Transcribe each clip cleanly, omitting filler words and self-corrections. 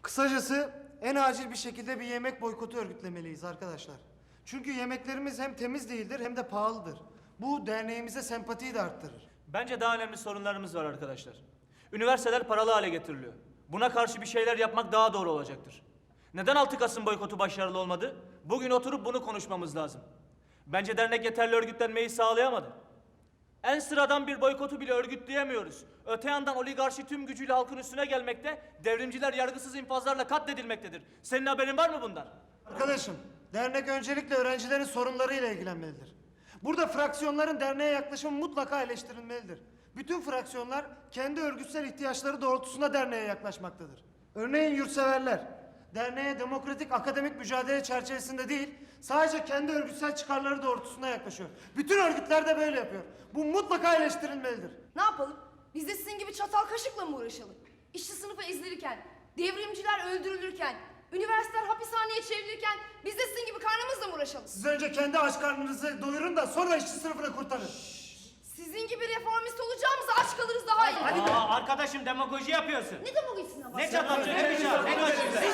Kısacası en acil bir şekilde bir yemek boykotu örgütlemeliyiz arkadaşlar. Çünkü yemeklerimiz hem temiz değildir hem de pahalıdır. Bu derneğimize sempatiyi de arttırır. Bence daha önemli sorunlarımız var arkadaşlar. Üniversiteler paralı hale getiriliyor. Buna karşı bir şeyler yapmak daha doğru olacaktır. Neden 6 Kasım boykotu başarılı olmadı? Bugün oturup bunu konuşmamız lazım. Bence dernek yeterli örgütlenmeyi sağlayamadı. En sıradan bir boykotu bile örgütleyemiyoruz. Öte yandan oligarşi tüm gücüyle halkın üstüne gelmekte, devrimciler yargısız infazlarla katledilmektedir. Senin haberin var mı bundan? Arkadaşım, dernek öncelikle öğrencilerin sorunlarıyla ilgilenmelidir. Burada fraksiyonların derneğe yaklaşımı mutlaka eleştirilmelidir. Bütün fraksiyonlar kendi örgütsel ihtiyaçları doğrultusunda derneğe yaklaşmaktadır. Örneğin yurtseverler, derneğe demokratik akademik mücadele çerçevesinde değil, sadece kendi örgütsel çıkarları doğrultusunda yaklaşıyor. Bütün örgütler de böyle yapıyor. Bu mutlaka eleştirilmelidir. Ne yapalım? Biz de sizin gibi çatal kaşıkla mı uğraşalım? İşçi sınıfı ezilirken, devrimciler öldürülürken, üniversiteler hapishaneye çevrilirken biz de sizin gibi karnımızla mı uğraşalım? Siz önce kendi aç karnınızı doyurun da sonra işçi sınıfını kurtarın. Sizin gibi reformist olacağımıza aç kalırız daha iyi. Hadi be. Arkadaşım demagoji yapıyorsun. Ne demagojisine bak? Ne çatalcı, ne bıçağı, ne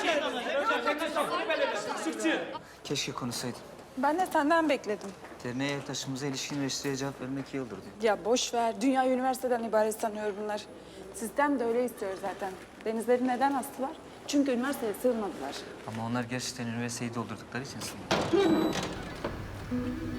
kaçıncı. Keşke konuşsaydın. Ben de senden bekledim. Derneğe taşımıza ilişkin eleştiriye cevap vermek iyi olur diyor. Ya boş ver. Dünya üniversiteden ibaret sanıyor bunlar. Sistem de öyle istiyor zaten. Denizleri neden astılar? Çünkü üniversiteye sığmadılar. Ama onlar gerçekten üniversiteyi doldurdukları için sanırım.